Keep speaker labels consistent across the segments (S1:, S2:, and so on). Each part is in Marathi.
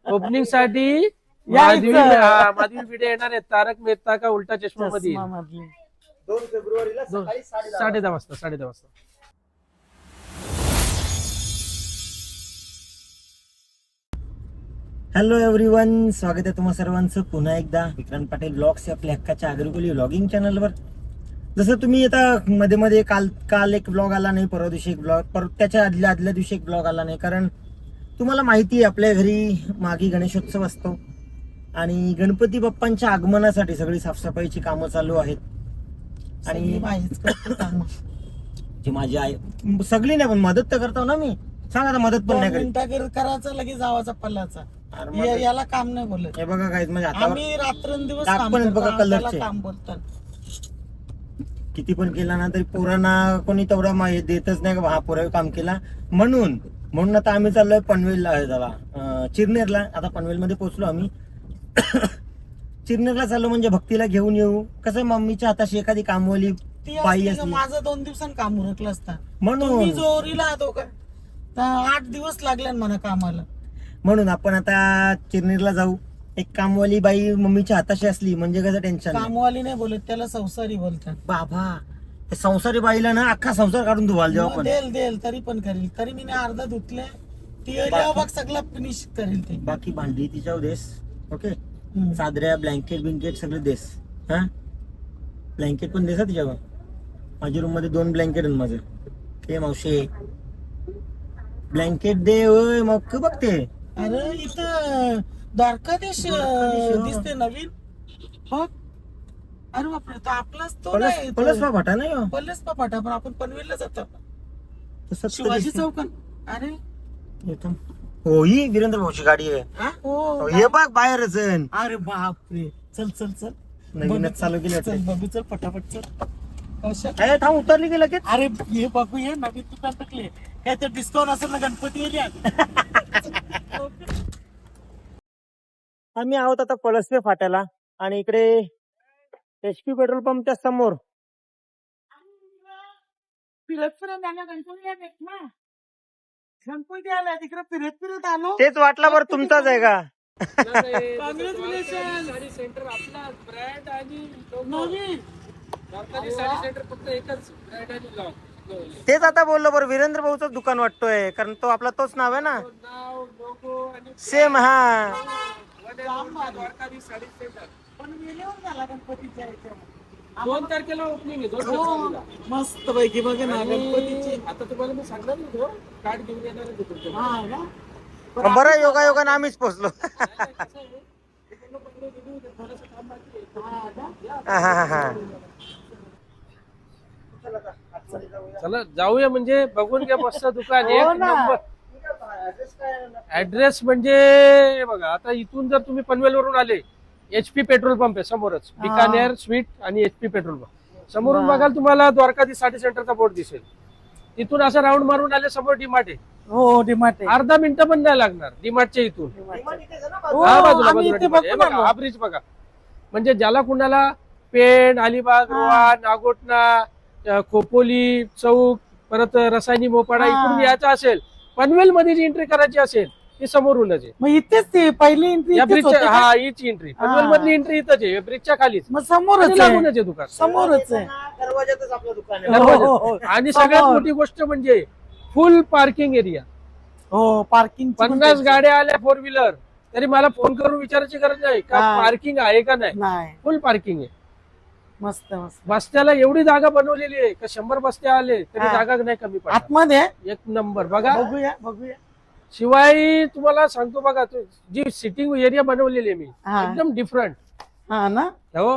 S1: ओपनिंग साठी
S2: यायचं.
S1: माधवी भिडे येणार आहेत तारक मेहता का उलटा चष्मा मध्ये
S2: चष्मामधली.
S3: 2 फेब्रुवारीला सकाळी 10:30
S1: 10:30 वाजता 10:30 वाजता.
S3: हॅलो एव्हरीवन, स्वागत आहे तुम्हा सर्वांचं पुन्हा एकदा विक्रांत पाटील ब्लॉग्स या आपल्या हक्काच्या आगरकुली व्लॉगिंग चॅनलवर. जसं तुम्ही आता मध्ये मध्ये काल एक ब्लॉग आला नाही, परवा दिवशी एक ब्लॉग, परत त्याच्या आदल्या दिवशी एक ब्लॉग आला नाही. कारण तुम्हाला माहिती आहे आपल्या घरी मागे गणेशोत्सव असतो आणि गणपती बाप्पांच्या आगमनासाठी सगळी साफसफाईची कामं चालू आहेत. आणि
S2: बाईच करते कामं.
S3: जी माझी आई सगळी नाही पण मदत तर करतो ना मी. सांगा आता मदत पण नाही करीत.
S2: मिनिटा करायचं लगेच जावाचा पल्लाचा.
S3: अरे मदत-
S2: याला काम नाही बोलत.
S3: हे बघा काय म्हणजे हातावर
S2: आम्ही रात्रंदिवस
S3: टाक
S2: काम
S3: पण
S2: करतो,
S3: बघा
S2: त्याला
S3: कलरचे.
S2: काम बोलतात.
S3: किती पण केला ना तरी पोरांना कोणी तेवढा देतच नाही का हा पोरावे काम केला म्हणून आता आम्ही चाललोय पनवेलला झाला चिरनेरला. आता पनवेलमध्ये पोहोचलो आम्ही. चिरनेरला चाललो म्हणजे भक्तीला घेऊन येऊ. कसं मम्मीच्या हाताशी एखादी कामवाली
S2: ती
S3: बाई
S2: असली का
S3: असली
S2: माझं 2 दिवसांनी काम उरकलं असतं.
S3: म्हणून
S2: तुम्ही जोरीला आहो का तर 8 दिवस लागले ना मला कामाला.
S3: म्हणून आपण आता चिरनेरला जाऊ. एक कामवाली बाई मम्मीच्या हाताशी असली म्हणजे कसं टेन्शन नाही.
S2: कामवाली नाही बोलत, त्याला संसारी बोलतात.
S3: बाबा ते संसारी बाईला ना अख्खा संसार काढून धुवाल जेव्हा
S2: मग
S3: आपण.
S2: देल तरी पण करील. तरी मी नाही अर्धा धुतले. ती जेव्हा बघ सगळं फिनिश करेल ते.
S3: बाकी भांडी तिच्यावर देस. ओके,
S2: हम्म.
S3: चादऱ्या ब्लँकेट सगळं देस. हा ब्लँकेट पण देसा तिच्यावर. माझ्या रूम मध्ये 2 ब्लँकेट आहेत माझे. ते मावशे ब्लँकेट दे. ओय मग बघते.
S2: अरे इथं द्वारकाधीश दिसते नवीन. हो, अरे बापरे, तो आपलाच तो नाही.
S3: पलस भाटा नाही हो.
S2: पल्लस पाठा, पण आपण पनवेलला जातो.
S3: तसंच तर
S2: शिवाजी
S3: दिसते.
S2: चौकात. अरे
S3: येतो. हो ही वीरेंद्र भाऊची गाडी आहे.
S2: हा? हो.
S3: हे बघ बाहेरच आहे.
S2: अरे बापरे, चल चल चल.
S3: नवीनच चालू केली
S2: चल बघू, चल पटापट चल. अशा
S3: अरे थांब उतरली की लगेच.
S2: अरे हे बघू, हे नवीन दुकान टाकले. काय तर डिस्काउंट असेल ना गणपती एरियात.
S3: आम्ही आहोत आता पळसपे फाट्याला आणि इकडे HP पेट्रोल पंपच्या समोर
S2: फिरत फिरत आला गणपती ना. गणपती आला तिकडे फिरत फिरत आलो.
S3: तेच वाटला बरं तुमचाच आहे का.
S2: Congratulations.
S1: साडी सेंटर आपला ब्रँड आणि
S2: नवीन
S1: द्वारकाधी साडी सेंटर फक्त एकच ब्रँड आणि logo.
S3: तेच आता बोललो बरं वीरेंद्र भाऊच दुकान वाटतोय कारण तो आपला तोच नाव आहे ना.
S1: नाव लोगो आणि
S3: सेम. हा
S1: द्वारकाधी साडी सेंटर
S2: पण वेळेवर झाला गणपतीच्या याच्यावर.
S1: 2 तारखेला ओपनिंग आहे 2
S2: हो,
S1: फेब्रुवारीला.
S2: मस्त पैकी बघ ना गणपतीची.
S1: आणि आता तुम्हाला मी सांगणार नाही कार्ड घेऊन येणार आहे तुमच्या.
S2: हा ना.
S3: बरं योगायोगाने आम्हीच पोहोचलो.
S2: हा ना.
S1: चला जाऊया म्हणजे बघून घ्या मस्त दुकान
S2: हो
S1: एक
S2: ना.
S1: नंबर. ऍड्रेस म्हणजे हे बघा, आता इथून जर तुम्ही पनवेल वरून आले, HP पेट्रोल पंप आहे समोरच. बिकानेर स्वीट आणि HP पेट्रोल पंप समोरून
S2: वा.
S1: बघाल तुम्हाला द्वारकाधी साडी सेंटरचा बोर्ड दिसेल. तिथून असं राऊंड मारून आले समोर डीमार्ट आहे.
S2: हो डिमार्ट आहे.
S1: अर्धा मिनिटं पण नाही लागणार डीमार्टच्या इथून.
S2: हो,
S1: हा बाजूला
S2: आम्ही इथे
S1: बाजूला
S2: बघून आलो.
S1: हा ब्रिज बघा. म्हणजे ज्याला कुणाला पेण, अलिबाग,
S2: हा.
S1: रोहा, नागोटना, खोपोली चौक, परत रसायनी मोपाडा
S2: हा.
S1: इकडून यायचं असेल, पनवेल मध्ये जी एंट्री करायची असेल ती समोरूनच आहे.
S2: मग इथेच ते पहिली एंट्री
S1: या
S2: इथेच
S1: ब्रिजच्या
S2: होते का?
S1: हा हीच एंट्री पनवेल मधली एंट्री इथंच आहे ब्रिजच्या खालीच.
S2: मग समोरच
S1: आणि
S2: आहे.
S1: लागूनच आहे दुकान.
S2: समोरच आहे.
S3: दरवाजातच आपलं दुकान आहे.
S1: दरवाजात.
S2: हो, हो, हो.
S1: आणि सगळ्यात
S2: समोर.
S1: मोठी गोष्ट म्हणजे फुल पार्किंग एरिया.
S2: हो पार्किंग
S1: 50 गाड्या आल्या 4 व्हीलर तरी मला फोन करून विचारायची गरज नाही का
S2: हा.
S1: पार्किंग आहे का नाही.
S2: नाही.
S1: फुल पार्किंग आहे.
S2: मस्त मस्त.
S1: बस्त्याला एवढी जागा बनवलेली आहे का 100 बस्ते आले तरी
S2: हा.
S1: जागा नाही कमी पडत.
S2: आतमध्ये
S1: एक नंबर बघा.
S2: बघूया बघूया.
S1: शिवाय तुम्हाला सांगतो बघा, जी सिटिंग एरिया बनवलेली आहे मी
S2: हा.
S1: एकदम डिफरंट.
S2: हा ना.
S1: हो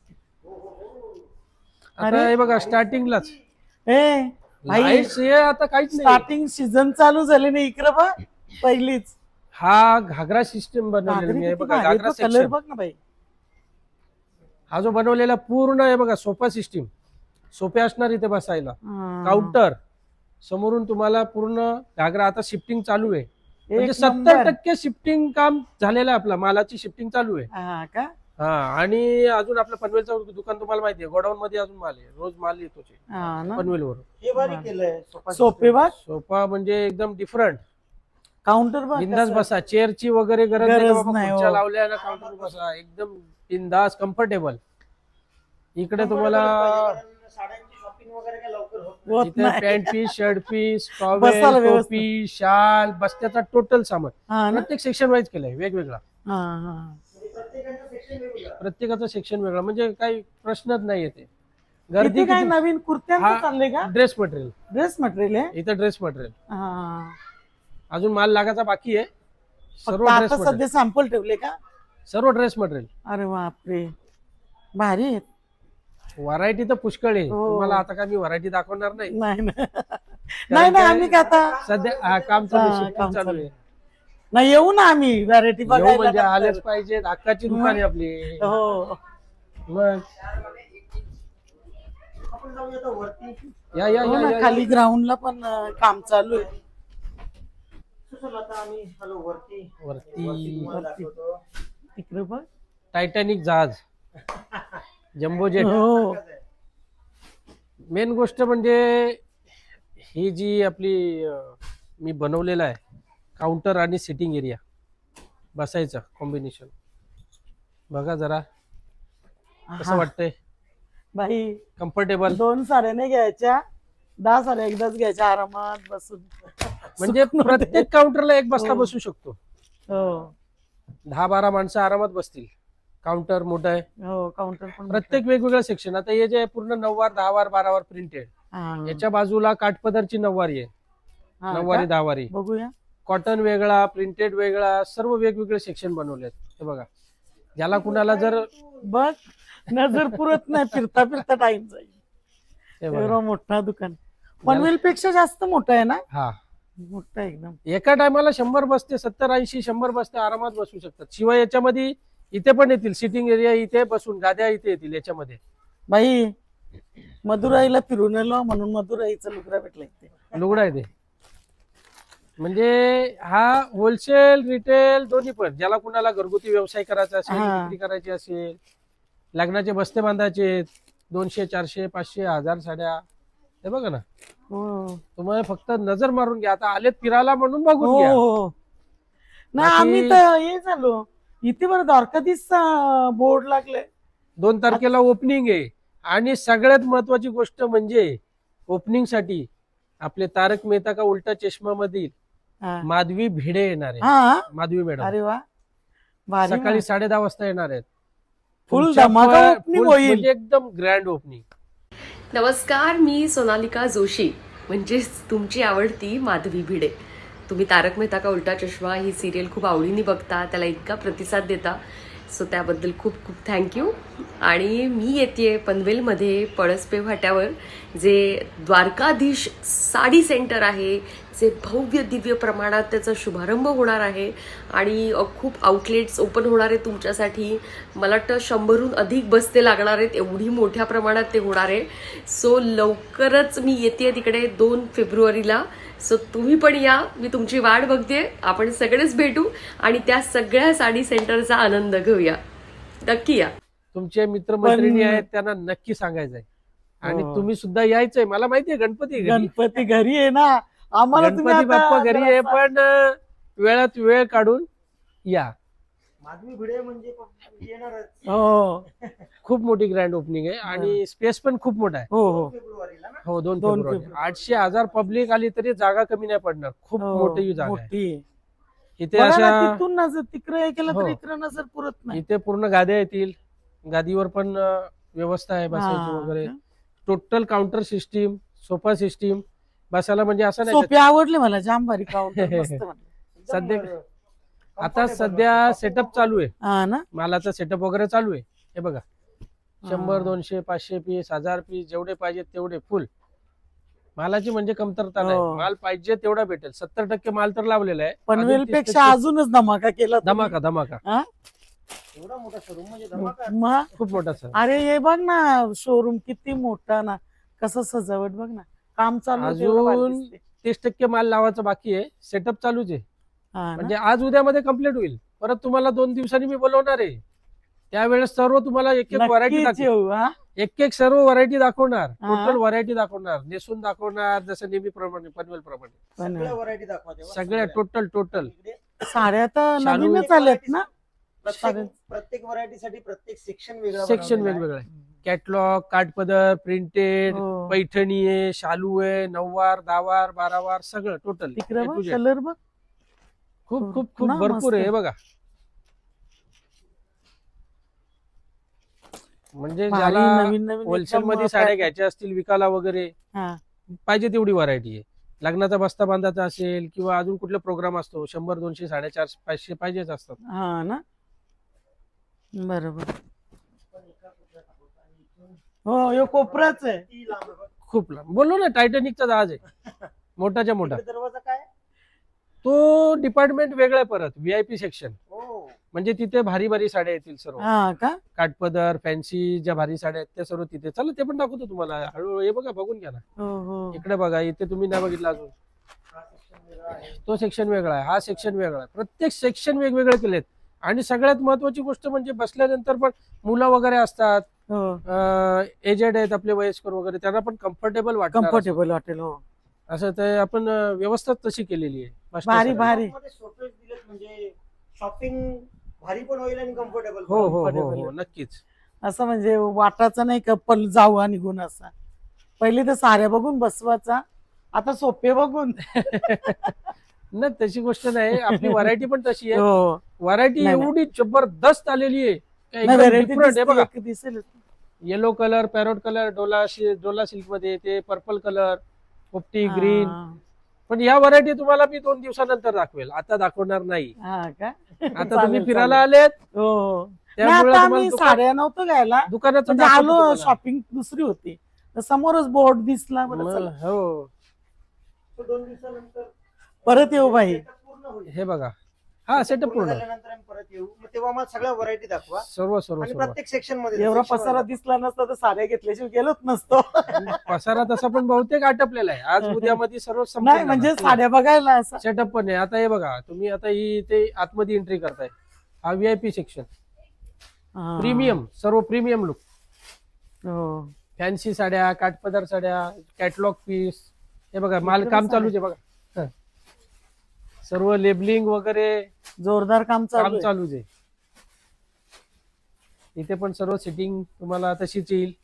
S1: आता
S2: अरे.
S1: हे बघा स्टार्टिंगलाच
S2: ए भाई,
S1: लाईट्स हे आता काहीच नाही.
S2: स्टार्टिंग सीझन चालू झाले ना इकडे बघ पहिलीच.
S1: हा घागरा सिस्टम बनवलेला मी. हे बघा घागरा
S2: कलर
S1: सेक्शन.
S2: बघ ना बाई.
S1: हा जो बनवलेला पूर्ण आहे बघा सोफा सिस्टीम. सोफे असणार इथे बसायला.
S2: हा.
S1: काउंटर समोरून तुम्हाला पूर्ण घागरा. आता शिफ्टिंग चालू आहे म्हणजे
S2: एक
S1: 70%
S2: नंबर.
S1: शिफ्टिंग काम झालेलं आहे. आपला मालाची शिफ्टिंग चालू आहे.
S2: हा का.
S1: हा आणि अजून आपलं पनवेलचं दुकान तुम्हाला माहिती आहे, गोडाऊन मध्ये अजून माल आहे. रोज माल येतोच आहे
S2: हा ना.
S1: पनवेलवरून.
S3: हे भारी केलंय.
S2: सोपे बघ.
S1: सोफा म्हणजे एकदम डिफरंट.
S2: काउंटर बघ
S1: बिंदास
S2: कसं.
S1: बसा, चेअरची वगैरे गरज नाही
S2: गरज
S1: बाबा,
S2: नाही,
S1: खुर्च्या
S2: हो.
S1: लावल्या ना काउंटर बसा, एकदम बिंदास कम्फर्टेबल. इकडे तुम्हाला
S3: साड्यांची शॉपिंग वगैरे काय लवकर होत
S2: होत
S1: इथे
S2: नाही.
S1: पॅन्ट पीस, शर्ट पीस,
S2: बसायला
S1: टॉवेल,
S2: व्यवस्थित.
S1: टोपी, शाल, बस्त्याचा टोटल सामान
S2: हा ना
S1: प्रत्येक सेक्शन वाईज केलंय वेगवेगळा.
S2: हा हा
S3: प्रत्येकाचं सेक्शन वेगवेगळं.
S1: प्रत्येकाचं सेक्शन वेगळं, म्हणजे काही प्रश्नच नाही येते. गर्दी
S2: इथे काय
S1: किती?
S2: नवीन कुर्त्यांचं
S1: हा.
S2: चाललंय का
S1: ड्रेस मटेरियल,
S2: ड्रेस मटेरियल आहे
S1: इथं ड्रेस मटेरियल
S2: हा.
S1: अजून माल लागायचा बाकी आहे. सर्व
S2: फक्त
S1: ड्रेस
S2: आता
S1: मटेरियल,
S2: सध्या सॅम्पल ठेवले का
S1: सर्व ड्रेस मटेरियल.
S2: अरे बापरे भारी आहेत.
S1: व्हरायटी तर पुष्कळ आहे.
S2: हो.
S1: तुम्हाला आता काय मी व्हरायटी दाखवणार नाही.
S2: नाही ना. नाही नाही आम्ही काय आता
S1: सध्या काम चालू आहे,
S2: हा,
S1: shifting
S2: काम
S1: चालू
S2: चालू
S1: आहे.
S2: नाही येऊ ना आम्ही व्हरायटी
S1: येऊ
S2: बघायला
S1: म्हणजे
S2: नंतर.
S1: आलेच पाहिजे. हक्काची दुकान आहे आपली.
S2: हो
S1: मग
S3: आपण जाऊया आता वरती.
S1: या या
S2: हो
S1: या,
S2: ना
S1: या
S2: खाली ग्राउंडला पण काम चालू आहे.
S3: चला आता आम्ही हॅलो वरती
S1: वरती
S3: तुम्हाला दाखवतो.
S2: तिकडे बघ
S1: टायटॅनिक जहाज, जम्बो जेट.
S2: हो
S1: मेन गोष्ट म्हणजे ही जी आपली मी बनवलेला आहे काउंटर आणि सिटिंग एरिया बसायचं कॉम्बिनेशन बघा जरा कसं
S2: हा.
S1: वाटतंय.
S2: बाई
S1: कम्फर्टेबल,
S2: 2 साड्या नाही घ्यायच्या, 10 साड्या एकदाच घ्यायच्या आरामात बसून.
S1: म्हणजे
S2: सुकून होते.
S1: प्रत्येक काउंटरला एक बसता
S2: हो.
S1: बसू शकतो.
S2: हो
S1: 10-12 माणसं आरामात बसतील. काउंटर मोठं आहे,
S2: हो काउंटर पण
S1: प्रत्येक वेगवेगळं सेक्शन. आता हे जे पूर्ण 9 वार 10 वार 12 वार प्रिंटेड,
S2: हा.
S1: याच्या बाजूला काठपदरची 9 वारी आहे,
S2: हा
S1: 9 वारी
S2: का?
S1: 10 वारी.
S2: बघूया
S1: कॉटन वेगळा, प्रिंटेड वेगळा, सर्व वेगवेगळे सेक्शन बनवलेत. हे बघा, ज्याला कुणाला जर
S2: बघ नजर पुरत नाही, फिरता फिरता टाइम जाईल.
S1: हे बघा,
S2: एवढं मोठा दुकान पनवेल पेक्षा जास्त मोठं आहे ना,
S1: हा
S2: मोठं आहे एकदम.
S1: एका टायमाला 100 बसते, 70-80 100 बसते आरामात बसू शकतात. शिवाय याच्यामध्ये इथे पण येतील सिटिंग एरिया, इथे बसून गाद्या इथे येतील याच्यामध्ये.
S2: बाई मदुराईला फिरून आलो म्हणून मदुराईचं लुगडा भेटला इथे.
S1: लुगडा आहे ते. म्हणजे हा होलसेल रिटेल दोन्ही पण, ज्याला कुणाला घरगुती व्यवसाय करायचा असेल,
S2: हा.
S1: विक्री करायची असेल, लग्नाचे बस्ते बांधायचे 200 400 500 1000 साड्या. हे बघा ना,
S2: हो
S1: तुम्हाला फक्त नजर मारून घ्या. आता आलेत फिरायला म्हणून बघून
S2: हो
S1: घ्या.
S2: हो. नाही
S1: बाकी-
S2: आम्ही तर हे झालो इथे बरं द्वारकाधीश बोर्ड लागले.
S1: 2 तारखेला ओपनिंग आहे. आणि सगळ्यात महत्वाची गोष्ट म्हणजे ओपनिंग साठी आपले तारक मेहता का उलटा चष्मा मधील
S2: हा
S1: माधवी भिडे येणार आहे.
S2: हा.
S1: माधवी मॅडम
S2: अरे वा भारी
S1: सकाळी 10:30 वाजता येणार आहेत.
S2: फुल
S1: तुमच्या
S2: धमाका
S1: पण-
S2: opening
S1: full
S2: होईल.
S1: म्हणजे एकदम ग्रँड ओपनिंग.
S4: नमस्कार, मी सोनालिका जोशी, म्हणजेच तुमची आवडती माधवी भिडे. तुम्ही तारक मेहता का उलटा चष्मा ही सिरियल खूप आवडीने बघता, त्याला इतका प्रतिसाद देता, सो त्याबद्दल खूप खूप थँक्यू. आणि मी येते पनवेलमध्ये पळसपे फाट्यावर जे द्वारकाधीश साडी सेंटर आहे, जे भव्य दिव्य प्रमाणात त्याचा शुभारंभ होणार आहे आणि खूप आउटलेट्स ओपन होणार आहेत तुमच्यासाठी. मला वाटतं 100हून अधिक बस्ते लागणार आहेत, एवढी मोठ्या प्रमाणात ते होणार आहे. सो लवकरच मी येते तिकडे 2 फेब्रुवारीला. सो तुम्ही पण या, मी तुमची वाट बघते. आपण सगळेच भेटू आणि त्या सगळ्या साडी सेंटरचा आनंद घेऊया. नक्की या.
S1: तुमचे मित्रमैत्रिणी
S2: पण-
S1: आहेत त्यांना नक्की सांगायचंय. आणि
S2: हो.
S1: तुम्ही सुद्धा यायचंय. मला माहितीये गणपती आहे घरी.
S2: गणपती घरी आहे ना, आम्हाला तुम्ही
S1: गणपती
S2: आता
S1: बाप्पा घरी आहे,
S2: जरासा-
S1: पण वेळात वेळ काढून या.
S3: माधवी भिडे म्हणजे येणारच
S2: हो
S1: खूप मोठी ग्रँड ओपनिंग आहे आणि स्पेस पण खूप मोठा आहे.
S2: हो हो
S3: फेब्रुवारीला ना.
S1: हो 2
S2: 2
S1: फेब्रुवारी.
S2: फेब्रुवारी.
S1: 800-1000 पब्लिक आली तरी जागा कमी नाही पडणार. खूप
S2: हो,
S1: मोठी जागा आहे.
S2: मोठी आहे.
S1: इथे
S2: बघा ना,
S1: अशा
S2: तिथून नजर तिकडे केलं तर
S1: हो.
S2: इकडे नजर पुरत नाही.
S1: इथे पूर्ण गाद्या येतील. गादीवर पण व्यवस्था आहे बसायची
S2: हा.
S1: वगैरे. Total counter system, sofa system, बसायला म्हणजे असं नाही
S2: सोपे आवडले मला, जाम भारी काउंटर मस्त वाटलं.
S1: सध्या
S3: एकदम,
S1: आता
S3: comfortable
S1: सध्या
S3: वाटतं.
S1: सेटअप चालू आहे.
S2: हा ना
S1: मालाचा सेटअप वगैरे चालू आहे. हे बघा, 100
S2: हा.
S1: 200 500 पीस 1000 पीस जेवढे पाहिजेत तेवढे फुल. मालाची म्हणजे कमतरता
S2: हो.
S1: नाही. माल पाहिजे तेवढा भेटेल. 70% माल तर लावलेला आहे.
S2: पनवेल
S1: अजून 30%
S2: पेक्षा अजूनच धमाका केला तुम्ही.
S1: धमाका धमाका
S2: हा?
S3: एवढा मोठा शोरूम म्हणजे धमाका.
S2: मग
S1: खूप मोठा सर.
S2: अरे हे बघ ना शोरूम किती मोठा ना, कसं सजावट बघ ना, काम चालू आहे, तेवढं भारी
S1: अजून
S2: दिसते.
S1: 30% माल लावायचा बाकी आहे. सेटअप चालूच आहे.
S2: हा ना?
S1: म्हणजे आज उद्यामध्ये कम्प्लीट होईल. परत तुम्हाला 2 दिवसांनी मी बोलवणार आहे. त्यावेळेस सर्व तुम्हाला एक एक व्हरायटी
S2: नक्कीच
S1: दाखवेल.
S2: येऊ हा.
S1: एक सर्व व्हरायटी दाखवणार,
S2: हा.
S1: टोटल व्हरायटी दाखवणार, नेसून दाखवणार, जसं नेहमीप्रमाणे पनवेल प्रमाणे
S2: पण
S3: सगळ्या व्हरायटी दाखवा तेव्हा.
S1: सगळ्या टोटल
S3: इकडे
S2: साड्या तर
S1: शालू
S2: नवीनच आल्यात ना.
S3: प्रत्येक व्हरायटीसाठी प्रत्येक सेक्शन वेगळा
S1: सेक्शन
S3: बनवलेला आहे.
S1: वेगवेगळं आहे. कॅटलॉग, काठपदर, प्रिंटेड,
S2: हो.
S1: पैठणी आहे, शालू आहे, 9वार, 10वार, 12वार सगळं टोटल
S2: तिकडे बघ कलर बघ.
S1: खूप खूप खूप
S2: ना,
S1: भरपूर आहे
S2: मस्त.
S1: हे बघा. म्हणजे
S2: भारी
S1: ज्याला
S2: नवीन नवीन
S1: होलसेल
S2: एकदम
S1: मध्ये साड्या घ्यायच्या असतील विकायला वगैरे,
S2: हा.
S1: पाहिजे तेवढी व्हरायटी आहे. लग्नाचा बस्ता बांधायचा असेल किंवा अजून कुठला प्रोग्राम असतो, 100, 200, 450, 500 पाहिजेच असतात.
S2: हा ना, बरोबर. हो, यो कोपराच आहे.
S3: ती लांब आहे बघ.
S1: खूप लांब. बोललो ना, टायटॅनिकचा जहाज आहे मोठाच्या मोठा.
S3: इकडे दरवाजा काय?
S1: तो डिपार्टमेंट वेगळा आहे परत, व्हीआयपी सेक्शन.
S3: हो.
S1: म्हणजे तिथे भारी भारी साड्या येतील सर्व.
S2: हा का.
S1: काठपदर, फॅन्सी ज्या भारी साड्या आहेत त्या सर्व तिथे. चला ते पण दाखवतो तुम्हाला हळूहळू. हे बघा, बघून घ्या ना.
S2: हो हो.
S1: इकडे बघा, इथे तुम्ही नाही बघितलं अजून.
S3: हा section वेगळा आहे.
S1: तो सेक्शन वेगळा आहे, हा सेक्शन वेगळा आहे. प्रत्येक सेक्शन वेगवेगळे केलेत. आणि सगळ्यात महत्वाची गोष्ट म्हणजे बसल्यानंतर पण मुलं वगैरे असतात,
S2: हो,
S1: एजेड आहेत आपले वयस्कर वगैरे, त्यांना पण कम्फर्टेबल वाटणार
S2: कम्फर्टेबल वाटेल. हो,
S1: असं ते आपण व्यवस्था तशी केलेली आहे. मस्त
S2: भारी
S1: सगळं.
S2: भारी.
S3: मध्ये सोपेच दिलेत म्हणजे शॉपिंग भारी पण होईल आणि कम्फर्टेबल
S1: हो हो हो
S2: comfortable
S1: हो,
S2: आहे.
S1: नक्कीच.
S2: असं म्हणजे वाटाचं नाही का पल जाऊ आणि निघून असा. पहिले तर साड्या बघून बसवायचा, आता सोपे बघून.
S1: ना तशी गोष्ट नाही, आपली व्हरायटी पण तशी आहे.
S2: हो,
S1: व्हरायटी
S2: नाही, नाही.
S1: एवढी जबरदस्त आलेली आहे,
S2: नाही, variety
S1: डिफरंट आहे बघा.
S2: दिसते, एक दिसेल.
S1: Yellow colour, parrot colour, Dola silk मध्ये येते, पर्पल कलर, पोपटी ग्रीन.
S2: हा.
S1: पण या व्हरायटी तुम्हाला मी 2 दिवसानंतर दाखवेल, आता दाखवणार नाही.
S2: हा का.
S1: आता तुम्ही
S2: चालेल,
S1: फिरायला
S2: चालेल.
S1: आलेत,
S2: हो हो. नाही,
S1: त्यामुळे
S2: आता
S1: तुम्हाला
S2: आम्ही साड्या नव्हतो घ्यायला,
S1: दुकानाचं
S2: म्हणजे
S1: दाखवतो
S2: आलो,
S1: तुम्हाला.
S2: शॉपिंग दुसरी होती, तर समोरच बोर्ड दिसला. बरं
S1: मग,
S2: चला.
S1: हो,
S3: 2 दिवसानंतर
S2: परत येऊ बाई.
S3: setup पूर्ण होईल.
S1: हे बघा, हा सेटअप पूर्ण
S3: झाल्यानंतर आम्ही परत येऊ. मग तेव्हा मग सगळ्या व्हरायटी दाखवा
S1: सर्व सर्व
S3: आणि
S1: सर्व.
S3: प्रत्येक सेक्शन मध्ये
S2: एवढा
S3: section
S2: पसारा
S3: मध्ये.
S2: दिसला नसता तर साड्या घेतल्याशिवाय गेलोच नसतो.
S1: पसारा तसा पण बहुतेक आटपलेला आहे. आज उद्यामध्ये सर्व
S2: नाही म्हणजे साड्या बघायला असं.
S1: सेटअप पण आहे. आता हे बघा, तुम्ही आता ही इथे आतमध्ये एंट्री करताय, हा व्हीआयपी सेक्शन,
S2: हा.
S1: प्रीमियम, सर्व प्रीमियम लुक,
S2: हो.
S1: फॅन्सी साड्या, काठपदर साड्या, कॅटलॉग पीस. हे बघा, माल काम चालूच आहे बघा. हं. सर्व लेबलिंग वगैरे
S2: जोरदार काम
S1: काम
S2: चालू आहे.
S1: चालूच आहे. इथे पण सर्व सिटिंग तुम्हाला तशीच येईल.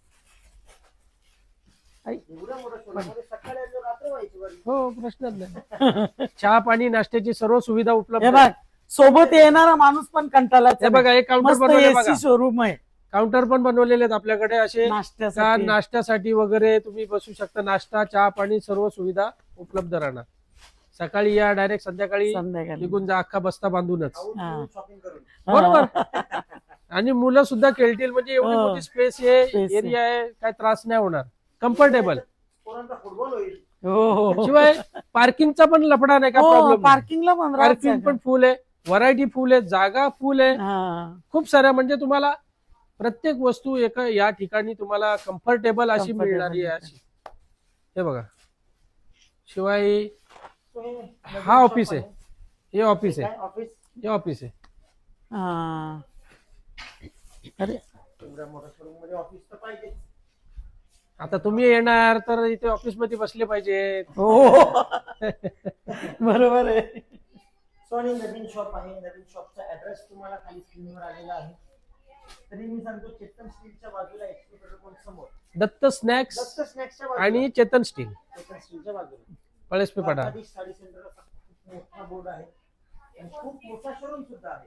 S3: एवढ्या मोठ्या शोरूममध्ये सकाळी आणि रात्र व्हायची बरी.
S1: हो, प्रश्नच नाही. चहा पाणी नाश्त्याची सर्व सुविधा उपलब्ध
S2: हे
S1: आहे.
S2: बघ, सोबत येणारा माणूस पण कंटाळा.
S1: हे बघा, एक काउंटर
S2: मस्त
S1: बनवले बघा.
S2: एसी शोरूम आहे
S1: काउंटर पण बनवलेले आहेत आपल्याकडे असे, का
S2: नाश्त्यासाठी.
S1: नाश्त्यासाठी वगैरे तुम्ही बसू शकता. नाश्ता, चहा पाणी सर्व सुविधा उपलब्ध राहणार. सकाळी या, डायरेक्ट संध्याकाळी
S2: संध्याकाळी.
S1: निघून जा, अख्खा बस्ता बांधूनच.
S3: खाऊन
S2: हा.
S3: पिऊन शॉपिंग करून
S1: बरोबर. आणि मुलं सुद्धा खेळतील, म्हणजे एवढी
S2: हो.
S1: मोठी स्पेस आहे,
S2: Space आहे.
S1: एरिया आहे, काय त्रास नाही होणार. कम्फर्टेबल.
S3: पोरांचा फुटबॉल होईल.
S2: हो हो.
S1: शिवाय पार्किंगचा पण लफडा नाही, का
S2: हो,
S1: प्रॉब्लेम.
S2: पार्किंगला पण
S1: पार्किंग पण फुल आहे, व्हरायटी फुल आहे, जागा फुल आहे,
S2: हा.
S1: खूप साऱ्या. म्हणजे तुम्हाला प्रत्येक वस्तू एका या ठिकाणी तुम्हाला कम्फर्टेबल अशी
S2: Comfortable
S1: मिळणारी आहे अशी. हे बघा, शिवाय
S3: तो हे
S1: हा ऑफिस आहे, हे ऑफिस आहे,
S3: काय ऑफिस
S1: हे ऑफिस आहे.
S2: हा. अरे
S3: एवढ्या मोठ्या शोरूम मध्ये ऑफिस तर पाहिजे.
S1: आता तुम्ही येणार तर इथे ऑफिस मध्ये बसले पाहिजेत.
S2: हो. बरोबर आहे.
S3: सो आणि नवीन शॉप आहे. नवीन शॉपचा ऍड्रेस तुम्हाला खाली स्क्रीनवर आलेला आहे. तरी मी सांगतो, चेतन स्टीलच्या बाजूला HP पेट्रोल पंप समोर
S1: दत्त स्नॅक्स
S3: दत्त स्नॅक्सच्या बाजूला
S1: आणि चेतन स्टील,
S3: चेतन स्टीलच्या बाजूला
S1: पळसपे पडा.
S3: द्वारकाधीश साडी सेंटर असा खूप मोठा बोर्ड आहे आणि खूप मोठा शोरूम सुद्धा आहे.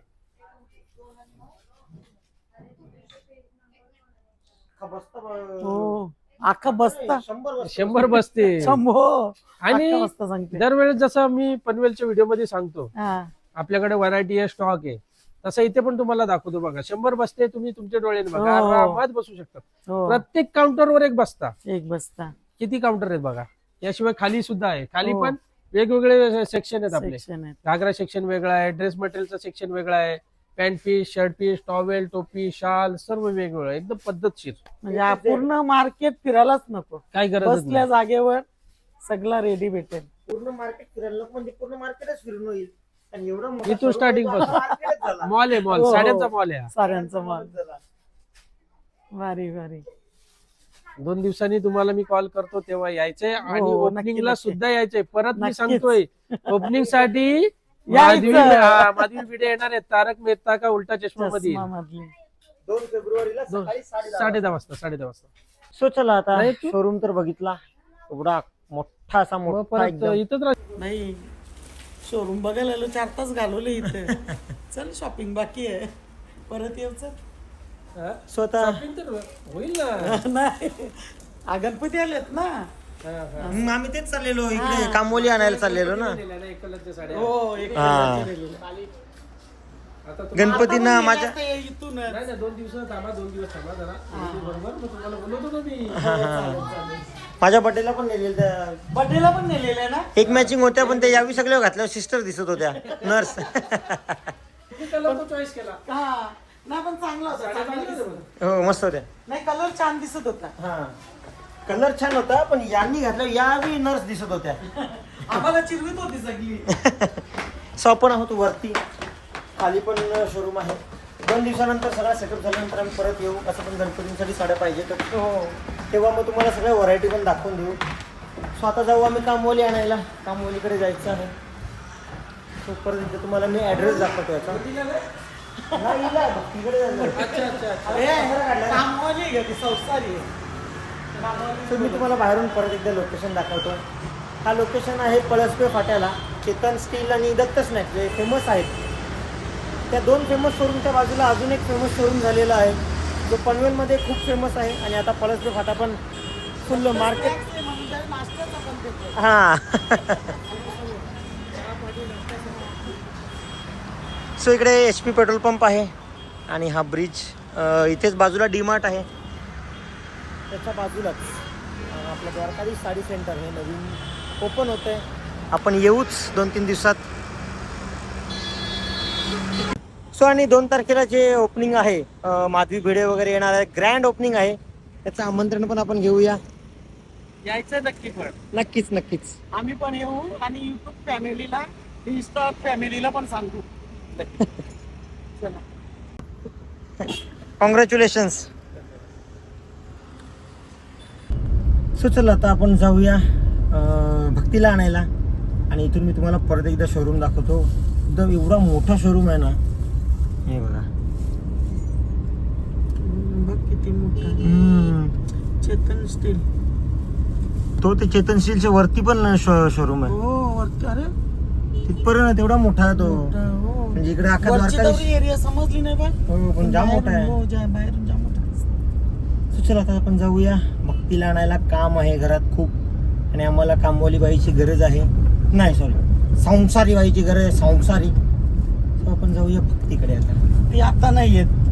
S3: हा बस्ता
S2: हो, अख्खा बसता
S1: 100 बसते.
S2: शंभो.
S1: आणि
S2: अख्खा बसता सांगते.
S1: दरवेळेस जसं मी पनवेलच्या व्हिडिओ मध्ये सांगतो,
S2: हा.
S1: आपल्याकडे व्हरायटी आहे, स्टॉक आहे, तसं इथे पण तुम्हाला दाखवतो बघा. 100 बसते, तुम्ही तुमच्या डोळ्याने बघा,
S2: हो.
S1: आरामात बसू शकता.
S2: हो,
S1: प्रत्येक काउंटरवर एक बसता.
S2: एक बसता.
S1: किती काउंटर आहेत बघा. याशिवाय खाली सुद्धा आहे, खाली
S2: हो.
S1: पण वेगवेगळे सेक्शन आहेत आपले.
S2: सेक्शन आहे.
S1: घागरा सेक्शन वेगळा आहे, ड्रेस मटेरियलचा सेक्शन वेगळा आहे, pant piece, shirt piece, towel, टोपी, शाल सर्व वेगवेगळं, एकदम पद्धतशीर.
S2: म्हणजे हा पूर्ण मार्केट फिरायलाच नको,
S1: काय गरज
S2: बसल्या जागेवर सगळा रेडी भेटेल.
S3: पूर्ण मार्केट फिरायला नको म्हणजे पूर्ण मार्केटच फिरून होईल. आणि एवढं मोठं
S1: इथून
S3: showroom
S1: starting
S3: आहे तो
S1: पासून.
S3: marketच झाला.
S1: मॉल आहे, मॉल,
S2: हो, हो.
S1: साड्यांचा मॉल आहे हा.
S2: साड्यांचा माल.
S3: झाला.
S2: भारी भारी
S1: 2 दिवसांनी तुम्हाला मी कॉल करतो तेव्हा यायचंय आणि
S2: हो, नक्की,
S1: ओपनिंगला
S2: नक्की.
S1: सुद्धा यायचंय. परत मी
S2: नक्कीच.
S1: सांगतोय ओपनिंग साठी
S2: यायचं.
S1: माधवी भिडे येणार आहे तारक मेहता का उलटा चष्मा मध्ये
S2: चष्मामधली.
S3: 2 फेब्रुवारीला सकाळी 10:30
S1: 10:30 वाजता.
S3: सो चला आता
S1: नाही तू-
S3: शोरूम तर बघितला, एवढा मोठा असा
S1: मग
S3: मोठा
S1: परत
S3: एकदम.
S1: इथंच राह-
S2: नाही शोरूम बघायला आलो 4 तास घालवले इथे. चल शॉपिंग बाकी आहे, परत येऊ चल.
S1: हा?
S3: स्वतः
S1: Shopping तर होईल ना.
S2: नाही आ, गणपती आलेत ना.
S1: हा, हा.
S3: आम्ही तेच चाललेलो इकडे कामोली आणायला चाललेलो ना.
S1: नेल्या ना एकलच्या साड्या.
S2: हो एक
S3: हा.
S1: आता तुम्ही-
S3: गणपतींना माझ्या
S2: इथून
S1: नाही नाही 2 दिवस थांबा 2 दिवस थांबा जरा बरोबर मग तुम्हाला बोलवतो ना मी.
S3: माझ्या बर्थडेला पण नेलेलं त्या
S2: बर्थडेला पण नेलेलं आहे ना.
S3: एक मॅचिंग होत्या, पण ते यावी सगळ्या घातल्यावर सिस्टर दिसत होत्या नर्स.
S1: मी कलर तो चॉईस केला.
S2: हा नाही पण चांगला होता,
S1: साड्या
S2: चांगला
S1: चांगल्या
S2: दिसत
S1: होत्या
S2: होता.
S3: हो मस्त होत्या.
S2: नाही कलर छान दिसत होता.
S3: हा कलर छान होता, पण यांनी घातल्यावर यावी नर्स दिसत होत्या.
S2: आम्हाला चिरवीत होती सगळी.
S3: सो आपण आहोत वरती, खाली पण शोरूम आहे. 2 दिवसानंतर सगळा सेटअप झाल्यानंतर आम्ही परत येऊ. असं पण गणपतींसाठी साड्या पाहिजे तर
S2: हो
S3: तेव्हा मग तुम्हाला सगळ्या व्हरायटी पण दाखवून देऊ. सो आता जाऊ आम्ही कामवाली आणायला, कामवालीकडे जायचं आहे. सो परत इथे तुम्हाला मी ॲड्रेस दाखवतो याचा. नाही, हिला भक्तीकडे जायचं.
S1: अच्छा अच्छा अच्छा.
S2: ए, कामवाली आहे का ती, संसारी आहे.
S3: तर मी तुम्हाला बाहेरून परत एकदा लोकेशन दाखवतो. हा लोकेशन आहे पळसपे फाट्याला. चेतन स्टील आणि दत्त स्नॅक्स जे फेमस आहेत, त्या 2 फेमस शोरूमच्या बाजूला अजून एक फेमस शोरूम झालेला आहे, जो पनवेलमध्ये खूप फेमस आहे. आणि आता पळसपे फाटा पण फुल मार्केट.
S2: Snacks आहे म्हणून त्याला नाश्त्याचा पण देतो.
S3: हां. सो इकडे HP पेट्रोल पंप आहे आणि हा ब्रिज, इथेच बाजूला डीमार्ट आहे. त्याच्या बाजूलाच आपलं द्वारकाधीश साडी सेंटर हे नवीन ओपन होतं आहे. आपण येऊच 2-3 दिवसात. सो आणि 2 तारखेला जे ओपनिंग आहे, माधवी भिडे वगैरे येणार आहे, ग्रँड ओपनिंग आहे. त्याचं आमंत्रण पण आपण घेऊया.
S2: यायचं नक्की पण.
S3: नक्कीच नक्कीच.
S2: आम्ही पण येऊ आणि युट्यूब फॅमिलीला, इंस्टा फॅमिलीला पण सांगू. चला.
S3: कॉंग्रॅच्युलेशन्स. सो चला आता आपण जाऊया भक्तीला आणायला, आणि इथून मी तुम्हाला परत एकदा शोरूम दाखवतो. एकदम एवढा मोठा शोरूम आहे ना, हे बघा.
S2: बघ किती मोठा. चेतन स्टील.
S3: तो ते चेतन स्टीलच्या वरती पण शोरूम आहे.
S2: हो वरती. अरे
S3: तिथपर्यंत तेवढा मोठा आहे तो.
S2: मोठा, हो.
S3: म्हणजे इकडे अख्खा
S2: वरची
S3: द्वारकाधीश.
S2: तेवढी एरिया समजली नाही बघ.
S3: हो पण जाम मोठा आहे.
S2: हो, बाहेरून जाम मोठा दिसतो.
S3: सो चला आता आपण जाऊया भक्तीला आणायला. काम आहे घरात खूप, आणि आम्हाला कामवाली बाईची गरज आहे. नाही सॉरी, संसारी बाईची गरज आहे, संसारी. सो आपण जाऊया भक्तीकडे आता.
S2: ती आता नाही येत.